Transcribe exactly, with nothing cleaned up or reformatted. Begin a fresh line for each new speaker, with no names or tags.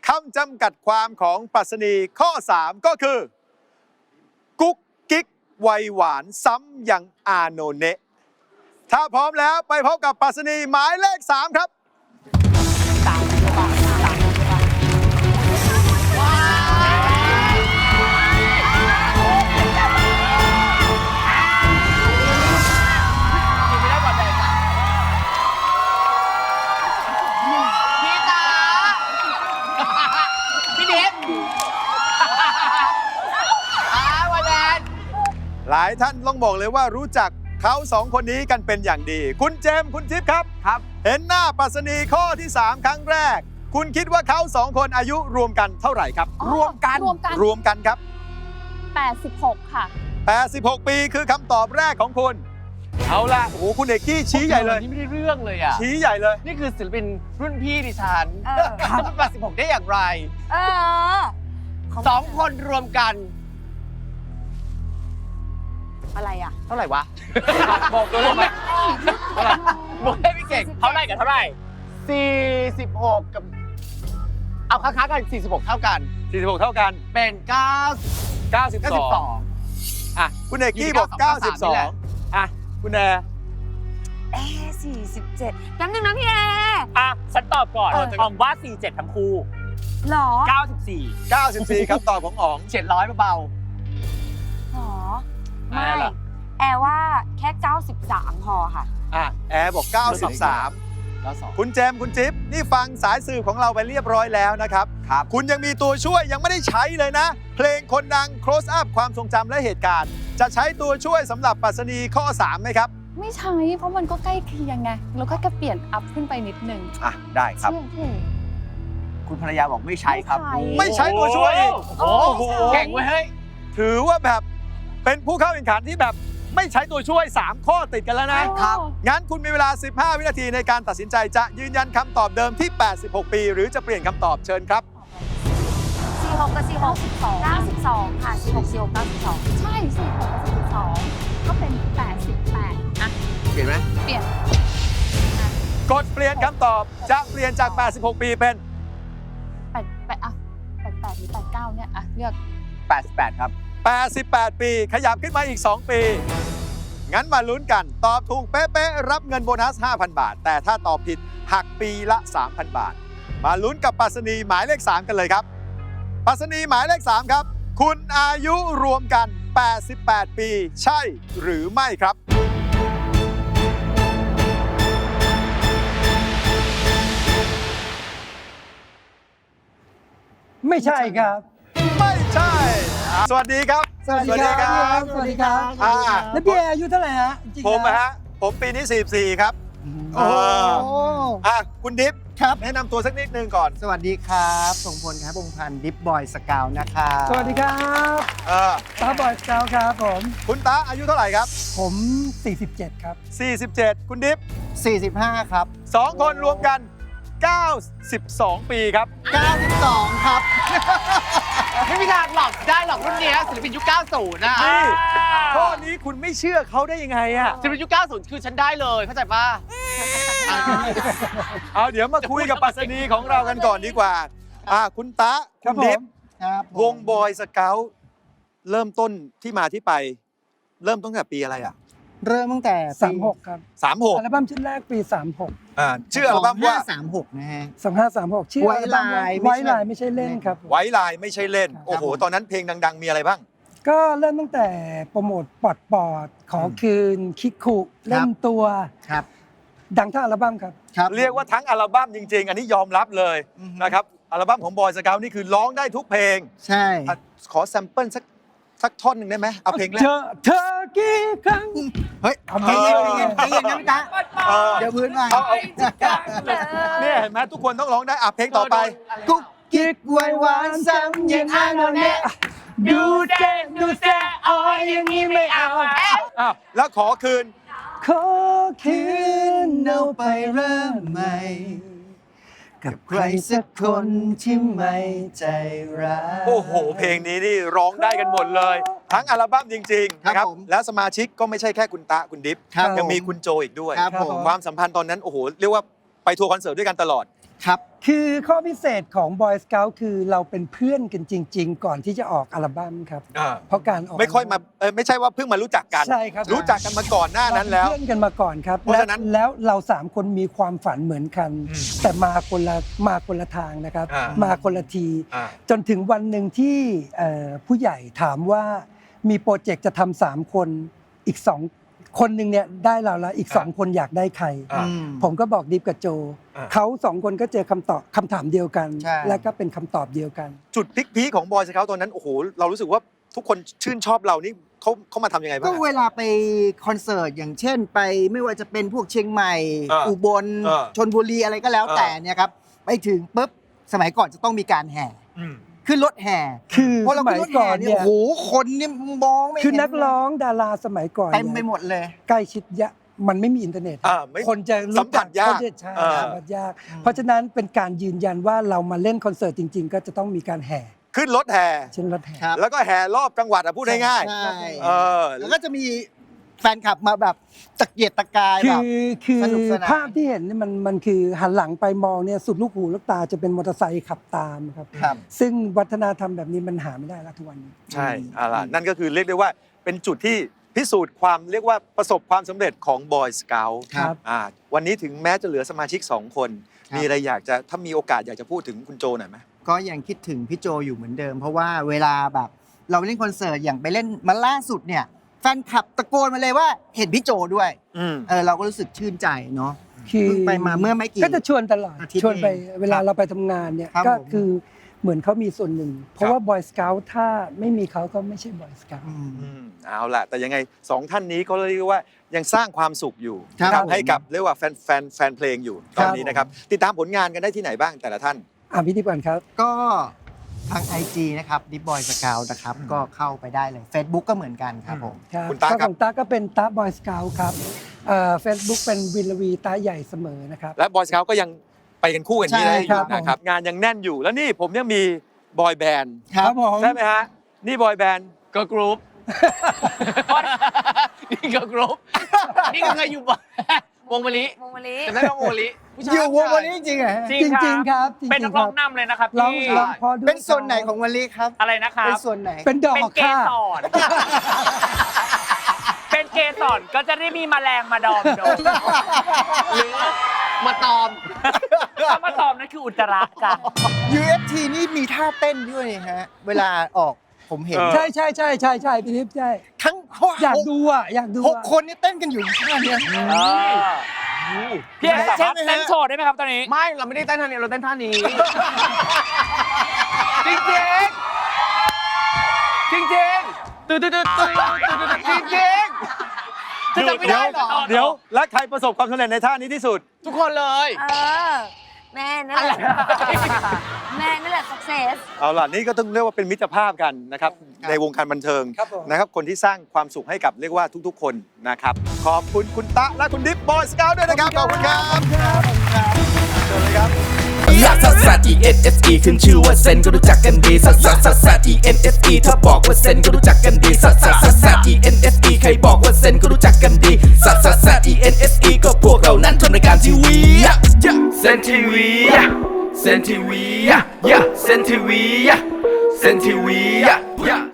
คำจำกัดความของปรัชนีข้อ สาม ก็คือ กุ๊กกิ๊กวัยหวานซ้ำอย่างอาโนเนะถ้าพร้อมแล้วไปพบกับปรัชนีหมายเลข สาม ครับหลายท่านต้องบอกเลยว่ารู้จักเขาสองคนนี้กันเป็นอย่างดี คุณเจมส์คุณทิพย์ครับครับ เห็นหน้าปรัชนีข้อที่ สาม ครั้งแรก คุณคิดว่าเขาสองคนอายุรวมกันเท่าไหร่ครับรวมกันรวมกันรวมกันครับ
แปดสิบหกค่ะ
แปดสิบหกปีคือคำตอบแรกของคุณเอาล่ะโอ้โหคุณเอกกี้ชี้ใหญ่เลย
นี่ไม่ได้เรื่องเลยอ่ะ
ชี้ใหญ่เลย
นี่คือศิลปินรุ่นพี่ดิฉันจะเป็นแปดสิบหกได้อย่างไร
เออ
สองคนรวมกัน
อะไรอ่ะ
เท่าไหร่วะบอกตัวเลขไหมเท่าไหร่บอกให้พี่เก่งเท่าไหร่กับเท่าไหร่สี่สิบหกกับเอาค้างๆกันสี่สิบหกเท่ากัน
สี่สิบหกเท่ากัน
เป็นเก้า
เก้าสิบสองอ่ะคุณเอกกี้บอกเก้าสิบสองอ่ะคุณแอร์
เอสี่สิบเจ็ดแป๊บนึงนะพี่แอร์
อ่ะฉันตอบก่อนอ๋องว่าสี่สิบเจ็ดทั้งคู่
หรอ
เก้าสิบสี่
เก้าสิบสี่คำตอบของอ๋อง
เจ็ดร้อยเบา
หรอไม่แอร์ว่าแค่เก้าสิบสามพอค่ะ
อ่ะแอร์บอกเก้าสิบสามคุณเจมส์คุณจิ๊บนี่ฟังสายสื่อของเราไปเรียบร้อยแล้วนะครับครับคุณยังมีตัวช่วยยังไม่ได้ใช้เลยนะเพลงคนดัง close up ความทรงจำและเหตุการณ์จะใช้ตัวช่วยสำหรับปรัชนีข้อ สาม ไหมครับ
ไม่ใช้เพราะมันก็ใกล้เคียงไงแล้วก็จะเปลี่ยนอัพขึ้นไปนิดนึง
อ่ะได้ครับ
คุณภรรยาบอกไม่ใช้ครับ
ไม่ใช้ตัวช่วยอีก
โอ้โหเก่งเว้ยเฮ้ย
ถือว่าแบบเป็นผู้เข้าแข่งขันที่แบบไม่ใช้ตัวช่วยสามข้อติดกันแล้วนะครับงั้นคุณมีเวลาสิบห้าวินาทีในการตัดสินใจจะยืนยันคำตอบเดิมที่แปดสิบหกปีหรือจะเปลี่ยนคำตอบเชิญครับ
สี่สิบหกกับสี่สิบหก เก้าสิบสองค่ะสี่สิบหก สี่สิบหก เก้าสิบสองใช่สี่สิบหกกับสี่สิบสองก็เป็นแปดสิบแปดอ่ะ
เปลี่ยนไหม
เปลี่ยน
กดเปลี่ยนคำตอบจะเปลี่ยนจากแปดสิบหกปีเป็น
แปดแปดอ่ะแปดแปดหรือแปดเก้าเนี่ยอ่ะเลือก
แปดสิบแปดครับ
แปดสิบแปดปีขยับขึ้นมาอีกสองปีงั้นมาลุ้นกันตอบถูกเป๊ะๆรับเงินโบนัส ห้าพัน บาทแต่ถ้าตอบผิดหักปีละ สามพัน บาทมาลุ้นกับปรัชนีหมายเลข สาม กันเลยครับปรัชนีหมายเลข สาม ครับคุณอายุรวมกันแปดสิบแปดปีใช่หรือไม่ครับ
ไม่ใช่ครับ
ไม่ใช่สวัสดีครับ
สวัสดีครับสวัสดีครับแล้วพี่แอร์อายุเท่าไหร่ฮะ
ผมนะฮะผมปีนี้สี่สิบสี่ครับโอ้อ่ะคุณดิฟครับแนะนำตัวสักนิดนึงก่อน
สวัสดีครับส่งพลครับพงพันธ์ดิฟบอยสกาวนะครับ
สวัสดีครับ
เออ
ตาบอยสกาวครับผม
คุณตาอายุเท่าไหร่ครับ
ผมสี่สิบเจ็ดครับ
สี่สิบเจ็ดคุณดิฟ
สี่สิบห้าครับ
สองคนรวมกันเก้าสิบสองปีครับ
เก้าสิบสองครับ
ไม่มีทางหลอกได้หรอกรุ่นนี้ศิลปินยุคเก้าสิบนะ
นี่ข้อนี้คุณไม่เชื่อเขาได้ยังไงอะ
ศิลปินยุคเก้าสิบคือฉันได้เลยเข้าใจป่ะ
เอาเดี๋ยวมาคุยกับปรัชนีของเรากันก่อนดีกว่าอ่าคุณตาคุณดิฟวงบอยสเกาต์เริ่มต้นที่มาที่ไปเริ่มตั้งแต่ปีอะไรอ่ะ
เริ่มตั้งแต่
สามหกครับ
สามหก
อัลบั้มชุดแรกปีสามหก
อ่าชื่ออัลบั้มว่า
สามหกนะฮะ
สองห้าสามหกชื่อ
ไว้ลาย
ไว้ลายไม่ใช่เล่นครับ
ไว้ลายไม่ใช่เล่นโอ้โหตอนนั้นเพลงดังๆมีอะไรบ้าง
ก็เริ่มตั้งแต่โปรโมทปอดปอดขอคืนคิกคุเล่นตัว
ครับ
ดังทั้งอัลบั้มครับ
เรียกว่าทั้งอัลบั้มจริงๆอันนี้ยอมรับเลยนะครับอัลบั้มของบอยสเกาต์นี่คือร้องได้ทุกเพลง
ใช่
ขอแซมเปิลสักสักท่อนหนึ่งได้ไหมเอาเพลงแรก
เธอเธอกี่ครั้ง
เฮ้ยเอาเพลงเองเพลงเองนะพี่ตาเดี๋ยวพื้นมา
เนี่ยเห็นไหมทุกคนต้องร้องได้อ่ะเพลงต่อไป
กุ๊กกิ๊กไวหวานซ้ำยังอาโนเนะ
ดูเด้ดูเซ่อ๋ออย่างนี้ไม่เอา
อ้าวแล้วขอคืน
ขอคืนเอาไปเริ่มใหม่กับใครสักคนที่ไม่ใจร้าย
โอ้โหเพลงนี้นี่ร้องได้กันหมดเลยทั้งอัลบั้มจริงๆนะครับแล้วสมาชิกก็ไม่ใช่แค่คุณตะคุณดิฟยังมีคุณโจอีกด้วยความสัมพันธ์ตอนนั้นโอ้โหเรียกว่าไปทัวร์คอนเสิร์ตด้วยกันตลอด
ครับ
คือข้อพิเศษของ Boy Scout คือเราเป็นเพื่อนกันจริง ๆ ก่อนที่จะออกอัลบั้มครับ
อ่า
เพราะการออก
ไม่ค่อยมาเออไม่ใช่ว่าเพิ่งมารู้จักกัน
ใช่ครับ
รู้จักกันมาก่อนหน้านั้นแล้ว
เราเป็นเพื่อนกันมาก่อนครับ
เพราะฉะนั้น
และแล้วเราสามคนมีความฝันเหมือนกัน
อืม
แต่มาคนละมาคนละทางนะครับ
อ่า
มาคนละที
อ่า
จนถึงวันหนึ่งที่เอ่อผู้ใหญ่ถามว่ามีโปรเจกต์จะทำสามคนอีกสองคนหนึ่งเนี่ยได้เราแล้วอีกสองคนอยากได้ใคร
อ่า
ผมก็บอกดิฟกับโจ
อ่า
เขาสองคนก็เจอคำตอบคำถามเดียวกัน
ใช่
และก็เป็นคำตอบเดียวกัน
จุดพลิกพีคของบอยสเกาตอนนั้นโอ้โหเรารู้สึกว่าทุกคนชื่นชอบเรานี่เขาเขามาทำยังไงบ้า
ก็
งอะ
เวลาไปคอนเสิร์ตอย่างเช่นไปไม่ว่าจะเป็นพวกเชียงใหม่
อ่า
อุบล
อ่า
ชนบุรีอะไรก็แล้ว
อ่า
แต่เนี่ยครับไปถึงปุ๊บสมัยก่อนจะต้องมีการแห่
อืม
ขึ้นรถแห่
คือ
พอเรา
สมั
ขึ้น
ย
รถ
ก่
แห่
อน
เนี่ย
เนี่ย
โอ้โหคนเนี่ยมองไม่เห็น
คือนักร้องดาราสมัยก่อน
เต็ม
นี่ย
ไปหมดเลย
ใกล้ชิดยะมันไม่มีอินเทอร์เน็ต
อ่าไม่
คนจะ
สัมผัสยาก
คนจะใช่
อ่า
สัมผัสยาก เพราะฉะนั้นเป็นการยืนยันว่าเรามาเล่นคอนเสิร์ตจริง ๆ ก็จะต้องมีการแห่
ขึ้นรถแห่
เช่นรถแห่
ครับ
แล้วก็แห่รอบจังหวัดอะพูดง่าย
ใช่
ๆเออ
แล้วก็จะมีแฟนคลับมาแบบตะเกียกตะกาย
คื
แบบ
อคือ
สนุกสนาน
ภาพที่เห็นเนี่ยมันมันคือหันหลังไปมองเนี่ยสุดลูกหูลูกตาจะเป็นมอเตอร์ไซค์ขับตามครับ
ครับ
ซึ่งวัฒนธรรมแบบนี้มันหาไม่ได้แล้วทุกวันนี้
ใช่เอาล่ะนั่นก็คือเรียกได้ว่าเป็นจุดที่พิสูจน์ความเรียกว่าประสบความสำเร็จของบอยสเกล
ครับ
อ่าวันนี้ถึงแม้จะเหลือสมาชิกสองคน
ครับ
มีอะไรอยากจะถ้ามีโอกาสอยากจะพูดถึงคุณโจหน่อยไหม
ก็ยังคิดถึงพี่โจอยู่เหมือนเดิม เพราะว่าเวลาแบบเราเล่นคอนเสิร์ตอย่างไปเล่นมาล่าสุดเนี่ยแฟนคลับตะโกนมาเลยว่าเห็นพี่โจด้วย
อืม
เออเราก็รู้สึกชื่นใจเนาะ
คือ
เพิ่งไปมาเมื่อไม่กี่
ก็จะชวนตลอด
อาทิตย์
ชวนไป
เอง
เวลา
ครับ
เราไปทำงานเนี่ย
ครับ
ก็
ผม
คือเหมือนเขามีส่วนหนึ่ง เพราะว่าบอยสเกลถ้าไม่มีเขาก็ไม่ใช่บอยสเกล
อืม
อืมเอาล่ะ แต่ยังไงสองท่านนี้ก็เรียกว่ายังสร้างความสุขอยู่
ครับ
นะครับ
ผม
ให้กับเรียกว่าแฟนแฟนแฟนเพลงอยู่ตอนนี้นะครับ ติดตามผลงานกันได้ที่ไหนบ้างแต่ละท่าน
อ่ะพิธีกรครับ
ก็ทาง ไอ จี นะครับดิบอยสกาวนะครับก็เข้าไปได้เลย Facebook ก็เหมือนกันครับผม
ครับ
คุณตาครับ
ของตาก็เป็นตาบอยสเกลครับเฟซบุ๊กเป็นวินลวีตาใหญ่เสมอนะครับ
และบอยสเกลก็ยังไปกันคู่กันนี้ได้อ
ใช่ครั
ยู่
บ
นะครับ งานยังแน่นอยู่แล้วนี่ผมยังมีบอยแบนด์
ครับ
ผม
ใช่ไหมฮะ นี่บอยแบนด์
ก็กรุ๊ป นี่ก็กรุ๊ปนี่ก็เคยอยู่บ่วงมะลิ
วงมะลิ
จำได้ไหมวงมะลิผู้ชา
อยู่วงวันนี้จริงๆเหรอฮะ
จริ
จริงๆครับจริงๆ
เป็นนักร้อง
ครับ
นำเลยนะครับ
ร้อง
พี่
ร้องพอด้วย
เป็นส่วนไหนของวันนี้ครับ
อะไรนะครับ
เป็นส่วนไหน
เป็นดอ
เป็น
ก
เก
ค่ะ
สรเป็นเกสรก็จะได้มีแมลงมาดอมโดนหรือมาตอมถ้ามาตอมนั่นคืออุจจาระจ้ะ
ยู เอฟ ที นี่มีท่าเต้นด้วยนี่ฮะ เวลาออกผมเห็น
เออ
ใช่ใช่ใช่ใช่ใช่พี่ทิพย์ใช่
ทั้งหก
อยากดูอ่ะอยากดู
หก
อ่ะ
คนนี่เต้นกันอยู่ท่าเนี้ย
พี่เอกสามารถ
ใช่ไหมฮะ
เต้นโชว์ได้ไหมครับตอนนี้ ไม่ เราไม่ได้เต้นท่านี้ เราเต้นท่านี้ จริงจริงจริงจริงตื่นตื่นตื่นตื่นจริงจริงจะจำไม่ได้เหรอ
เดี๋ยวแล้วใครประสบความสำเร็จในท่านี้ที่สุด
ทุกคนเลย
เออ แม่นั่นแหละ แม่นั่นแหละ success
เอาล่ะนี่ก็ต้องเรียกว่าเป็นมิตรภาพกันนะครับในวงการบันเทิง
ครับผม
นะครับคนที่สร้างความสุขให้กับเรียกว่าทุกๆ คนนะครับขอบคุณคุณตะและคุณดิฟบอยสเกลด้วยนะครับขอบคุณครับเชิญเลยครับ
ลักซัสซัส E N S E ขึ้นชื่อว่าเซนก็รู้จักกันดีซัสซัสซัสซัส E N S E ถ้าบอกว่าเซนก็รู้จักกันดีซัสซัสซัสซัส E N S E ใครบอกว่าเซนก็รู้จักกันดีซัสซัสซัส E N S E ก็พวกเรานั้นทำรายการทีวีเซนทีวีเซนทีวีเซนทีวีเซนทีวี